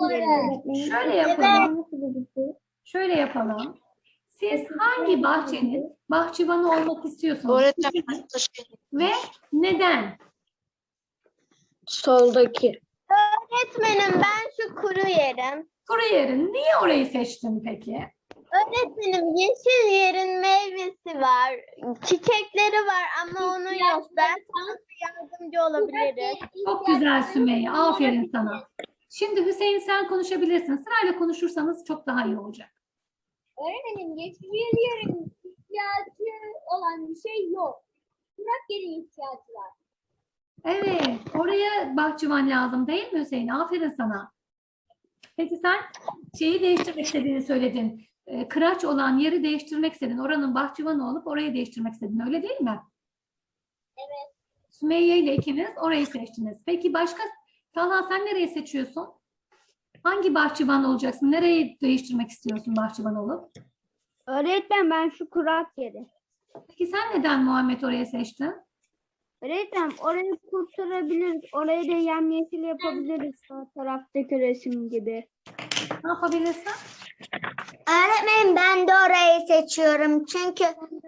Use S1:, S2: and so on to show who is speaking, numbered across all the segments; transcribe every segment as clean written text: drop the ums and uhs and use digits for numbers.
S1: Şöyle yapalım. Şöyle yapalım. Siz hangi bahçenin bahçıvanı olmak istiyorsunuz?
S2: Öğretmenim
S1: Ve neden?
S2: soldaki.
S3: Öğretmenim ben şu kuru yerim.
S1: Kuru yerin. Niye orayı seçtin peki?
S3: Öğretmenim yeşil yerin meyvesi var. Çiçekleri var ama onun yok. Ben sana yardımcı olabilirim.
S1: Çok güzel Sümeyye. Aferin sana. Şimdi Hüseyin sen konuşabilirsin. Sırayla konuşursanız çok daha iyi olacak.
S4: Öğretmenim yeşil yerin ihtiyacı olan bir şey yok. Kurak yerin ihtiyacı var.
S1: Evet. Oraya bahçıvan lazım değil mi Hüseyin? Aferin sana. Peki sen şeyi değiştirmek istediğini söyledin. Kıraç olan yeri değiştirmek istedin. Oranın bahçıvanı olup orayı değiştirmek istedin. Öyle değil mi?
S4: Evet.
S1: Sümeyye ile ikiniz orayı seçtiniz. Peki başka? Talha sen nereyi seçiyorsun? Hangi bahçıvan olacaksın? Nereyi değiştirmek istiyorsun bahçıvan olup?
S5: Öğretmen ben şu kurak yeri.
S1: Peki sen neden Muhammed orayı seçtin?
S5: Öğretmen orayı kurtarabiliriz. Orayı da yemyeşil yapabiliriz. Sağ taraftaki resim gibi.
S1: Ne yapabilirsin?
S3: Öğretmenim ben de orayı seçiyorum. Çünkü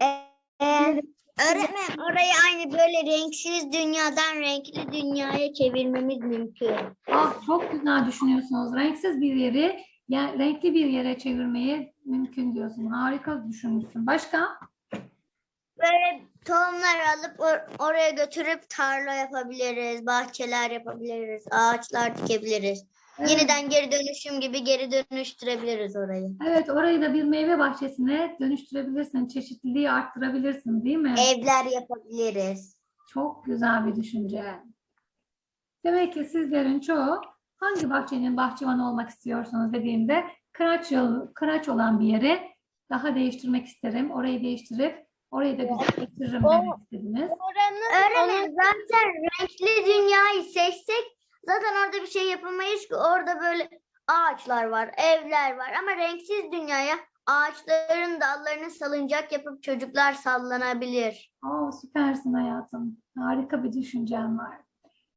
S3: öğretmenim orayı aynı böyle renksiz dünyadan renkli dünyaya çevirmemiz mümkün.
S1: Ah, çok güzel düşünüyorsunuz. Renksiz bir yeri renkli bir yere çevirmeyi mümkün diyorsun. Harika düşünmüşsün. Başka?
S3: Böyle tohumlar alıp oraya götürüp tarla yapabiliriz, bahçeler yapabiliriz, ağaçlar dikebiliriz.
S1: Evet.
S3: Yeniden geri dönüşüm gibi geri dönüştürebiliriz orayı.
S1: Evet, orayı da bir meyve bahçesine dönüştürebilirsin. Çeşitliliği arttırabilirsin, değil mi?
S3: Evler yapabiliriz.
S1: Çok güzel bir düşünce. Demek ki sizlerin çoğu hangi bahçenin bahçıvanı olmak istiyorsunuz dediğimde kıraç olan bir yere daha değiştirmek isterim. Orayı değiştirip orayı da güzelleştiririm demek istediniz.
S3: Öğretmenim zaten renkli dünyayı seçsek zaten orada bir şey yapamayız ki. Orada böyle ağaçlar var, evler var ama renksiz dünyaya ağaçların dallarını salıncak yapıp çocuklar sallanabilir.
S1: Süpersin hayatım. Harika bir düşüncen var.